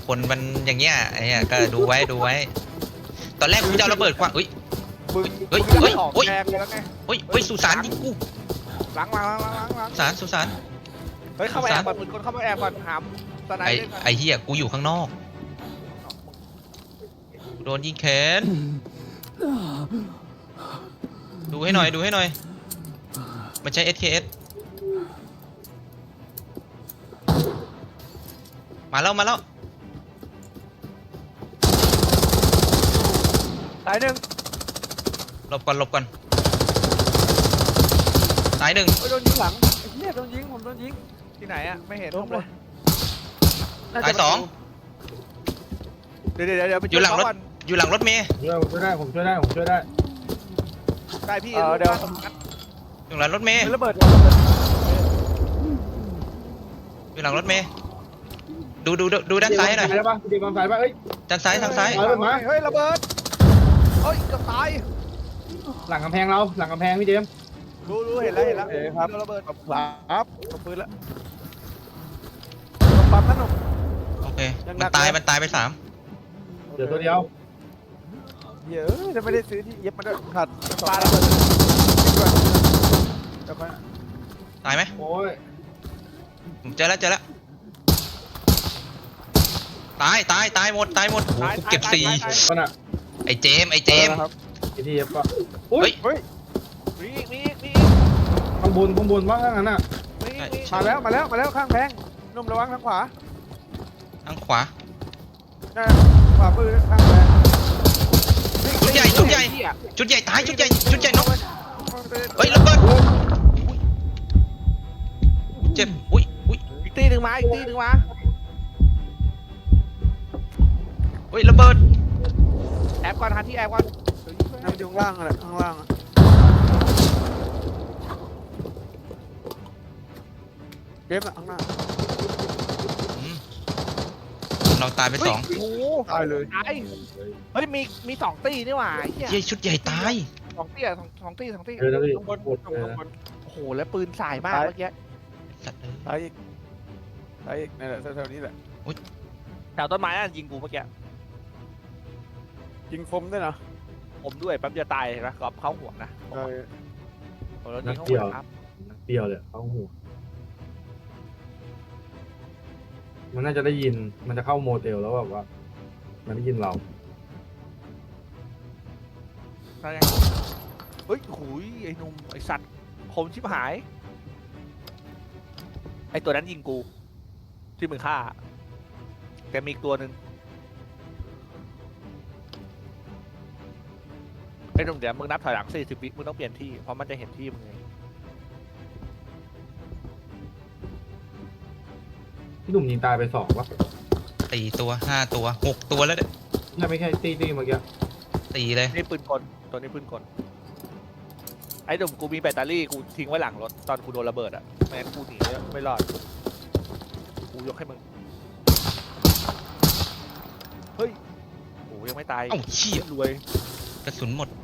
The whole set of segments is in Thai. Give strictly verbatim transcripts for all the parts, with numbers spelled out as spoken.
คนมันอย่างเงี้ยไอ้เนี่ยก็ดูไว้ดูไว้ตอนแรกกูจะเอาระเบิดคว้างเฮ้ยมึงเฮ้ยมึงเฮ้ยออกเฮ้ยแดงเลยแล้วไงเฮ้ยเฮ้ยสุสานยิงกูล้างล้างล้างล้างล้างสุสานสุสานเฮ้ยเข้ามาแอบก่อนมึงคนเข้ามาแอบก่อนหามตะไนไอ้เล่นก่อนไอ้เหี้ยกูอยู่ข้างนอกโดนยิงแขนดูให้หน่อยดูให้หน่อยมันใช้ เอส เค เอส มาแล้วมาแล้วตายหนึ่งหลบก่อนหลบก่อนตายหนึ่งเฮ้ยโดนยิงหลังไอ้เหี้ยโดนยิงผมโดนยิงที่ไหนอะไม่เห็นผมเลยตายสองเดี๋ยวเดี๋ยวเดี๋ยวไปอยู่หลังรถก่อนอยู่หลังรถเมย์ช่วยผมช่วยได้ผมช่วยได้ผมช่วยได้ได้พี่เดี๋ยวอยู่หลังรถเมย์ระเบิดอยู่หลังรถเมย์ดูดูดูดูด้านซ้ายหน่อยได้ปะดีบอลซ้ายปะเอ้ยด้านซ้ายทางซ้ายเอาเลยมาเฮ้ยระเบิดเฮ้ยจะตายหลังกำแพงเราหลังกำแพงพี่เจมส์รู้รู้เห็นแล้วเห็นแล้วเออครับโดนระเบิดครับตบปืนแล้วปั๊มนั่นหนุ่มโอเคยังหนัมันกตายเลยมันตายไปสามเดี๋ยวตัวเดียวเยอะจะไม่ได้ซื้อที่เย็บมาด้วยขัดปลาระเบิดด้วยเดี๋ยวค่อยตายไหมโอ้ยผมเจอแล้วเจอแล้วตายตายตายหมดตายหมดโอ้โหกูเก็บสี่มันอะไอ้เจมส์ไอ้เจมส์ครับไอ้ที่เย็บปะเฮ้ยเฮ้ยมีอีกมีอีกมีข้างบนข้างบนว่าข้างนั้นอะอีกมีอีกมาแล้วมาแล้วมาแล้วข้างแพงนุ่มระวังทางขวาทางขวาขวาปืนข้างแพงชุดใหญ่ชุดใหญ่ชุดใหญ่ตายชุดใหญ่ชุดใหญ่นกเฮ้ยระเบิดเจ็บอุ้ยอุ้ยอีกตีหนึ่งมาอีกตีหนึ่งมาเฮ้ยระเบิดแอบก่อนหาที่แอบก่อนนั่งอยู่ข้างล่างอะไรข้างล่างเกมอะข้างหน้าอืมเราตายไปสองโอ้ตายเลยตายเฮ้ยมีมีสองตีนี่หว่าไอ้เหี้ยเย้ยชุดใหญ่ตายสองตีอะสองสองตีสองตีเดี๋ยวนะพี่ข้างบนปวดข้างเลบยนนะข้างบนโอ้โหแล้วปืนสายมากเมื่อกี้สัตว์เอ้ยสายอีกสายอีกนี่แหละแถวๆนี้แหละอุ๊ยแถวต้นไม้นั่นยิงกูเมื่อกี้ยิงคมด้วยนะคมด้วยแป๊บเดียวตายเห็นไหมกรอบเข้าหัวนะใช่แล้วยิงเข้าหัวครับเปรี้ยวเลยเข้าหัวมันน่าจะได้ยินมันจะเข้าโมเตลแล้วแบบว่า มันได้ยินเรานั่นไงเฮ้ยหุยไอ้หนุ่มไอ้สัตว์คมชิบหายไอ้ตัวนั้นยิงกูที่มึงฆ่าแกมีอีกตัวหนึ่งไอ้หนุ่มเดี๋ยวมึงนับถอยหลังสี่สิบวิมึงต้องเปลี่ยนที่เพราะมันจะเห็นที่มึงไงพี่หนุ่มยิงตายไปสองวะสี่ตัวห้าตัวหกตัวแล้วเนี่ยน่าไม่ใช่ตีตีเมื่อกี้สี่เลยนี่ปืนกลตัวนี้ปืนกลไอ้หนุ่มกูมีแบตเตอรี่กูทิ้งไว้หลังรถตอนกูโดนระเบิดอ่ะไม่งั้นกูหนีไม่รอดกูยกให้มึงเฮ้ยโอ้ยังไม่ตายเอ้าเชี่ยรวยกระสุนหมด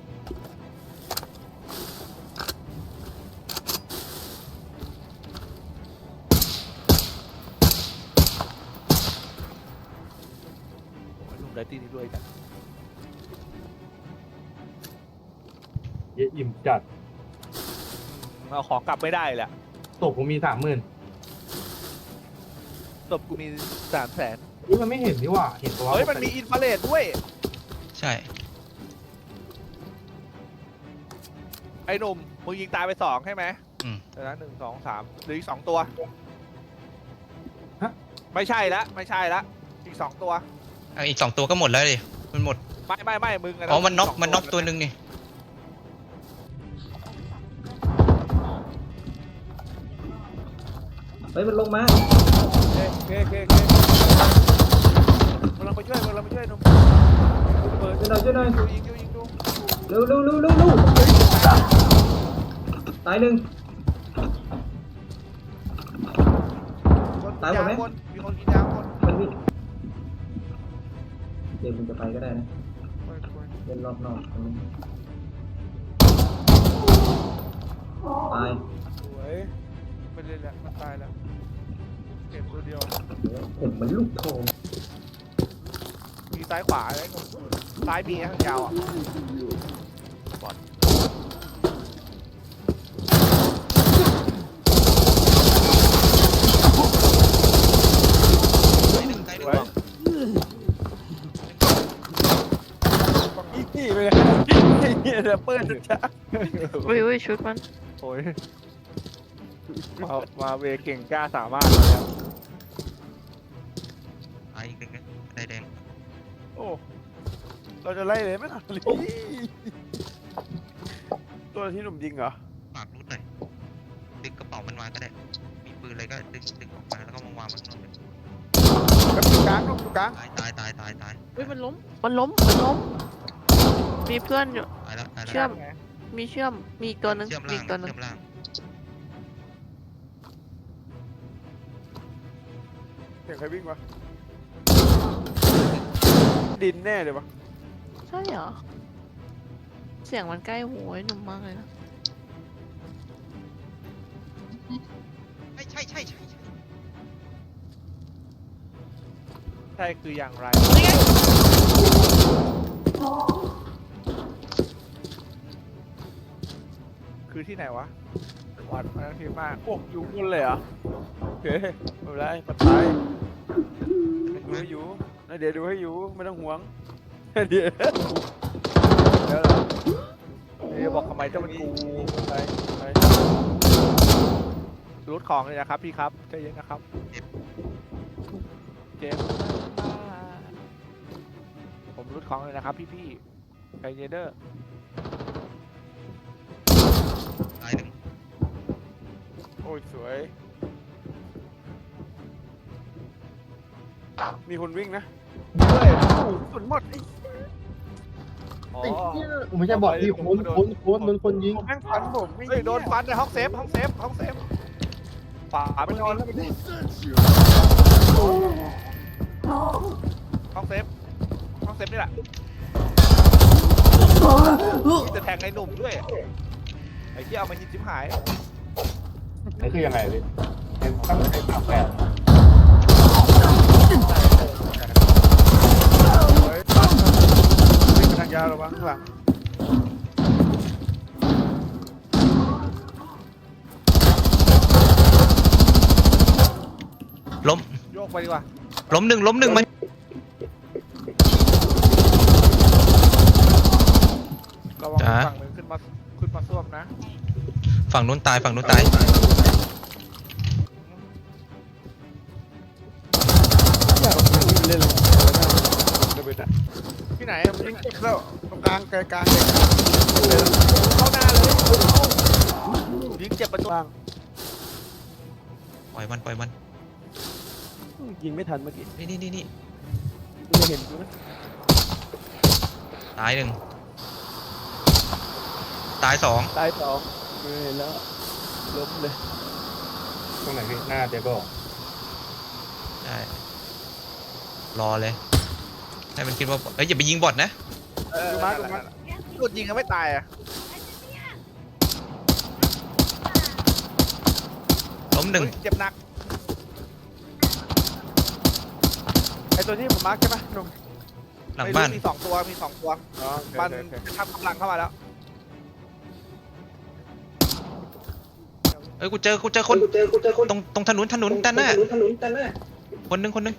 ไอ้หนุ่มได้ตีนี้รวยจังเยอิ่มจัดเอาของกลับไม่ได้แหละตบผมมีสามหมื่นศพกูมีสามแสนนี่มันไม่เห็นนี่หว่าเห็นตัวเฮ้ยมันมีอินฟราเรดด้วยใช่ไอ้หนุ่มมึงยิงตายไปสองใช่ไหมอืมเดี๋ยวนะหนึ่งสองสามหรืออีกสองตัวไม่ใช่ละไม่ใช่ละอีกสองตัวเอาอีกสองตัวก็หมดแล้วดิมันหมดไม่ไม่ไม่มึงะอ๋อมันน็อกสงมันน็อกตัวหนึ่งนี่เฮ้ยมันลงมาโอเคโอเคโอเคมึงลองไปช่วยมึงลองไปช่วยหนุ่มเปิดช่วยหน่อยช่วยหน่อยดูยิงดูยิงดูเร็วเร็วเร็วเร็วเร็วตายหนึ่งคนตายหมดไหมคนมีคนกินยาคนมันมีเดี๋ยวมึงจะไปก็ได้นะเล่นรอบนอกตรงนี้ตายสวยไม่เล่นแล้วมันตายแล้วเก็บตัวเดียวผมมันลูกทองซ้ายขวาเลยซ้ายมีทางยาวอ่ะบอดตายหนึ่งตายหนึ่งอีซี่ไปเลยไอ้เหี้ยเดี๋ยวเปิดช้าอุ้ยอุ้ยชุดมันโอ้ยมามาเวเก่งกล้าสามารถเลยครับตายอีกหนึ่งได้แดงโอ้เราจะไล่เลยไหมล่ะตัวที่หนุ่มยิงเหรอฝากรูดหน่อยดึงกระเป๋ามันมาก็ได้มีปืนอะไรก็ดึงดึงออกมาแล้วก็มาวางมันข้างนอกเลยครับอยู่กลางลูกอยู่กลางตายตายตายตายตายอุ้ยมันล้ม มันล้ม มันล้ม มีเพื่อนอยู่ตายแล้วตายแล้วเชื่อม มีเชื่อม มีอีกตัวหนึงเชื่อมมีล่างอีกตัวหนึงเชื่อมล่างเสียงใครวิ่งวะดินแน่เลยวะใช่เหรอ เสียงมันใกล้หูไอ้หนุ่มมากเลยนะใช่ใช่ใช่ใช่ใช่ใช่คืออย่างไรนี่ไงคือที่ไหนวะวัดมาทีมากโอ้อยู่บนเลยเหรอโอเคไม่เป็นไรปัดไปดูให้อยู่นะเดี๋ยวดูให้อยู่ไม่ต้องห่วงเดี๋ยวเดี๋ยวเหรอเดี๋ยวบอกทำไมเจ้ามันกูไปไปรูดของเลยนะครับพี่ครับใจเย็นนะครับเจมส์ผมรูดของเลยนะครับพี่พี่ๆใจเย็นเด้อตายหนึ่งโอ้ยสวยมีคนวิ่งนะเฮ้ยโอ้โหสุดหมดไอ้อ๋อไอ้เหี้ยผมไม่ใช่บอดที่โคนโคนโคนโดนคนยิงแม่งฟันผมไม่เฮ้ยโดนฟันในห้องเซฟห้องเซฟห้องเซฟฝาไปไม่นนออน นแล้วไปดิห้องเซฟห้องเซฟนี่แหละมีแต่แทงไอ้หนุ่มด้วยไอ้ที่เอามาหินชิบหายนี่คือยังไงพี่เป็นตั้งใจสามแปดเฮ้ยฟันวิ่งไปทางยาวระวังข้างหลังล้มโยกไปดีกว่าล้มหนึ่งล้มหนึ่งมันระวังฝั่งหนึ่งขึ้นมาขึ้นมาซ่วมนะฝั่งนู้นตายฝั่งนู้นตายเล่นเลยเดี๋ยวไปนะที่ไหนยิงเจ็บแล้วตรงกลางไกลกลางเข้าหน้าเลยยิงเจ็บประตูล่างปล่อยมันปล่อยมันยิงไม่ทันเมื่อกี้นี่นี่นี่นี่ไม่เห็นกูนะตายหนึ่งตายสองตายสองไม่เห็นแล้วล้มเลยตรงไหนพี่หน้าเจ๊บอใช่รอเลยให้มันคิดว่าเอ้ยอย่าไปยิงบอทนะเออมามาหลุดยิงก็ไม่ตายอ่ะล้มหนึ่งเจ็บหนักไอตัวที่ผมมาร์กใช่ปะหนุ่มหลังบ้านมีสองตัวมีสองตัวอ๋อมันทำกำลังเข้ามาแล้วเอ้ยกูเจอกูเจอคนตรงตรงถนนถนนด้านหน้าคนหนึ่งคนหนึ่ง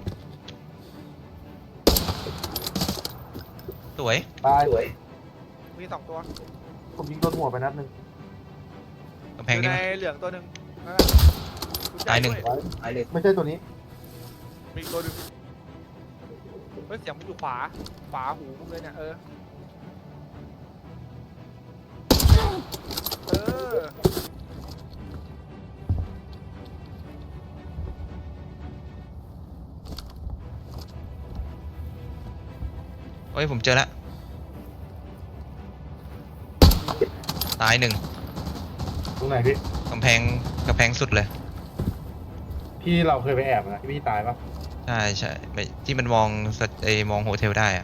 สวยตายมีสองตัวผมยิงโดนหัวไปนัดหนึ่งกำอแพงยู่นี่ในมั้ยเหลืองตัวหนึ่งตายหนึ่งไม่ใช่ตัวนี้มีตัวหนึ่งเฮ้ยเสียงมันอยู่ขวาขวาหูมึงเลยเนี่ยเออเออเฮ้ยผมเจอแล้วตายหนึ่งตรงไหนพี่กำแพงกำแพงสุดเลยพี่เราเคยไปแอบนะพี่ตายปะใช่ใช่ไม่ที่มันมองสเอมองโฮเทลได้อะ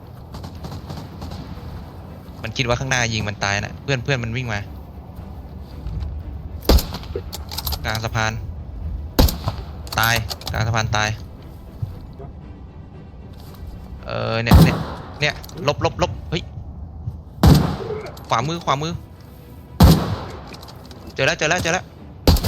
มันคิดว่าข้างหน้ายิงมันตายนะเพื่อนเพื่อนมันวิ่งมากลางสะพานตายกลางสะพานตายเออเนี่ยเนี่ยเนี่ยลบลบลบเฮ้ยขวามือขวามือเจอแล้วเจอแล้วเจอแล้ว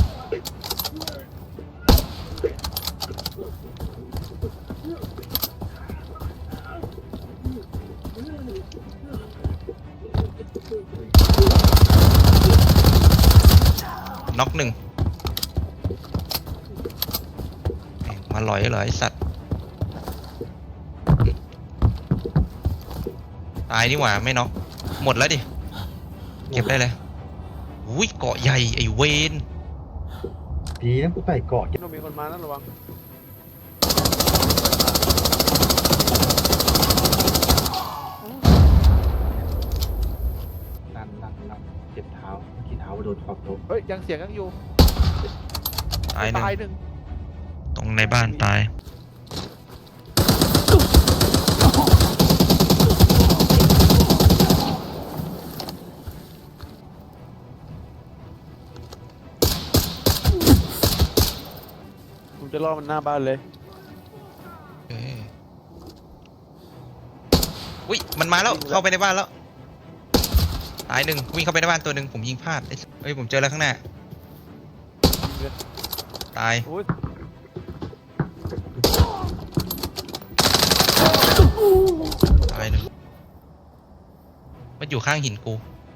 น็อกหนึ่งแม่งมาหลอยเหรอไอสัตว์ตายนี่หว่าไม่น็อกหมดแล้วดิเก็บได้เลยอุ้ยเกาะใหญ่ไอเวนดีนะกูใส่เกาะคิดว่ามีคนมานั่นระวังดันดันดันเจ็บเท้าเมื่อกี้เท้าโดนขอบโต๊ะเฮ้ยยังเสียงยังอยู่ตายหนึ่งตายหนึ่งตรงในบ้านตายผมจะล่อมันหน้าบ้านเลยเอ้ยอุ้ยมันมาแล้วเข้าไปในบ้านแล้วตายหนึ่งวิ่งเข้าไปในบ้านตัวหนึ่งผมยิงพลาดไอ้สัสเฮ้ยผมเจอแล้วข้างหน้าตายโอ้ยตายหนึ่งมันอยู่ข้างหินกู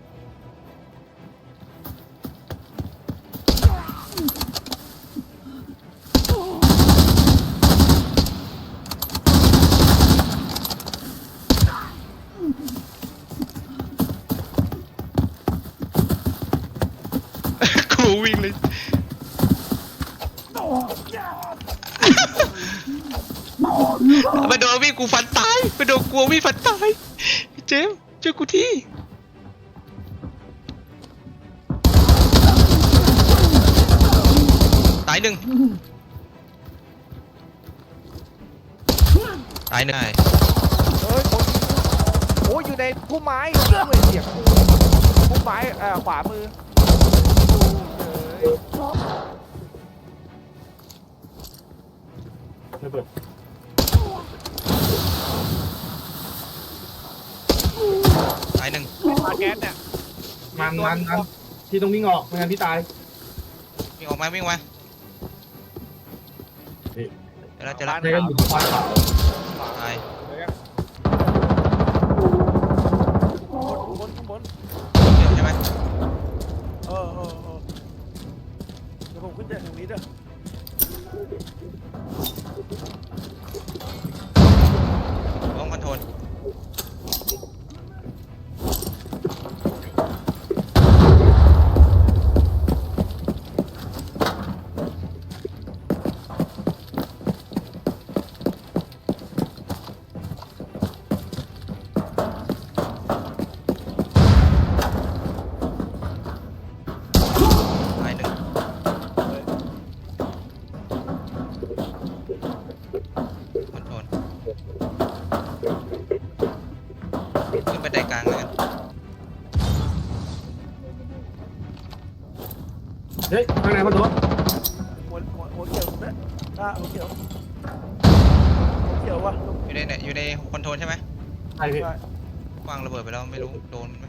กูวิ่งเลยมาโดนวิ่งกูฟันตายมาโดนกลัววิ่งฟันตายเจมส์ช่วยกูทีตายหนึ่งตายหนึ่งเฮ้ยคนโอ้ยอยู่ในพุ่มไม้ด้วยเสียงพุ่มไม้เอ่อขวามือเฮ้ยระเบิดตายหนึ่งมาแก๊สเนี่ยมันมันมันที่ต้องวิ่งออกไม่งั้นพี่ตายวิ่งออกมาวิ่งมาเฮ้ยเจอแล้วเจอแล้วในกันอยู่ที่ควายขาวตายบนข้างบนเจอใช่ไหมเออเออเออเดี๋ยวผมขึ้นจากทางนี้เด้อต้องคอนโทรลตายหนึ่งคอนโทรลขึ้นบันไดกลางแล้วกันเฮ้ยข้างในมันโดนหัวหัวหัวเขียวนะอ่ะหัวเขียวหัวเขียววะอยู่ในเนี่ยอยู่ในคอนโทรลใช่ไหมใช่พี่ใช่วางระเบิดไปแล้วไม่รู้โดนไหม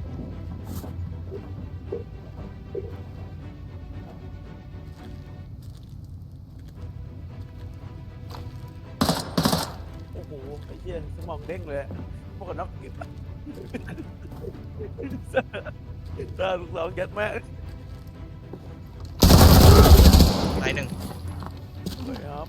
โอ้โหไอ้เหี้ยสมองเด้งเลยพวกกันน็อกกินตาลูกสาวยัดแม่ตายหนึ่งเลยครับ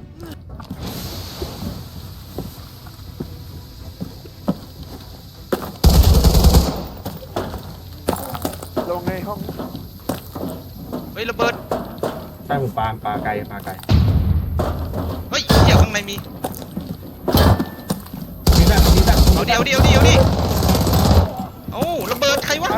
ลงในห้องเฮ้ยระเบิดใช่ผมปาปาไกลปาไกลเฮ้ยเดี๋ยวข้างในมีมีแบบมีแบบเอาเดี๋ยวเดี๋ยวเดี๋ยวดิเอ้าระเบิดใครวะ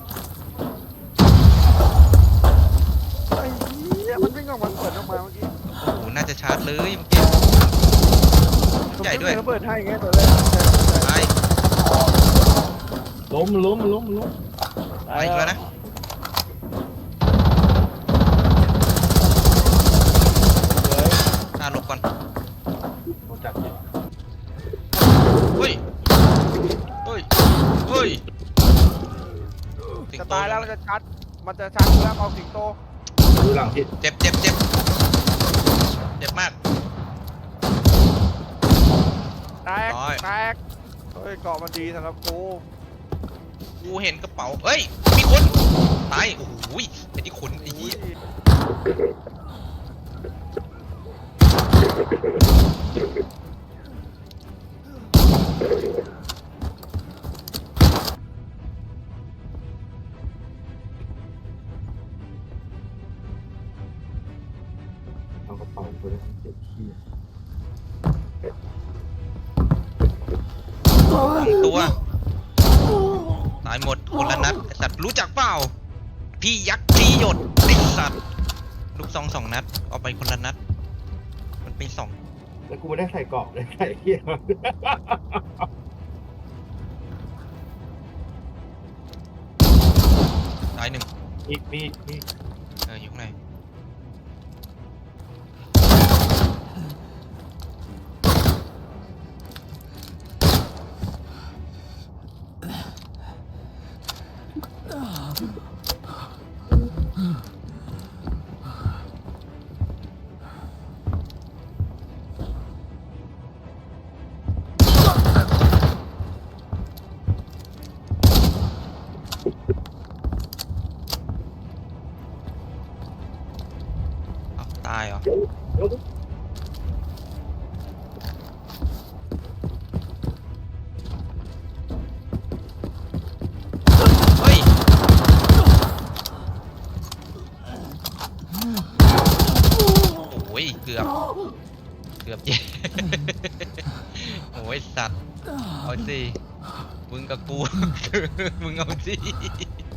ไอ้เหี้ยมันวิ่งออกมาเปิดออกมาเมื่อกี้โอ้โหน่าจะชาร์จเลยเมื่อกี้ใหญ่ด้วยผมเปิดให้ไงตัวแรกตายล้มล้มล้มล้มตายอีกแล้วนะอ่าหลบก่อนโดนจับจิตายแล้วมันจะชัดมันจะชัดแล้วเอาสิงโตดูหลังทิศเจ็บเจ็บเจ็บเจ็บมากแตกร้อยแตกเฮ้ยเกาะมันดีสำหรับกูกูเห็นกระเป๋าเอ้ยมีคนตายโอ้โหไอ้ที่ขนไอ้เหี้ยเอากระเป๋าไปเลยเจ็บขี้สองตัวตายหมดคนละนัดไอ้สัตว์รู้จักเปล่าพี่ยักษ์พี่หยดไอ้สัตว์ลูกซองสองนัดเอาไปคนละนัดมันเป็นสองแล้วกูไม่ได้ใส่เกราะเลยใส่เหี้ยตายหนึ่งอีกมีมีเอออยู่ข้างในอ้าวตายเหรอ เฮ้ย โอ้ย เกือบ เกือบเจ๊ โอ้ย สัตว์ เอาสิ มึงกับกู มึงเอาสิ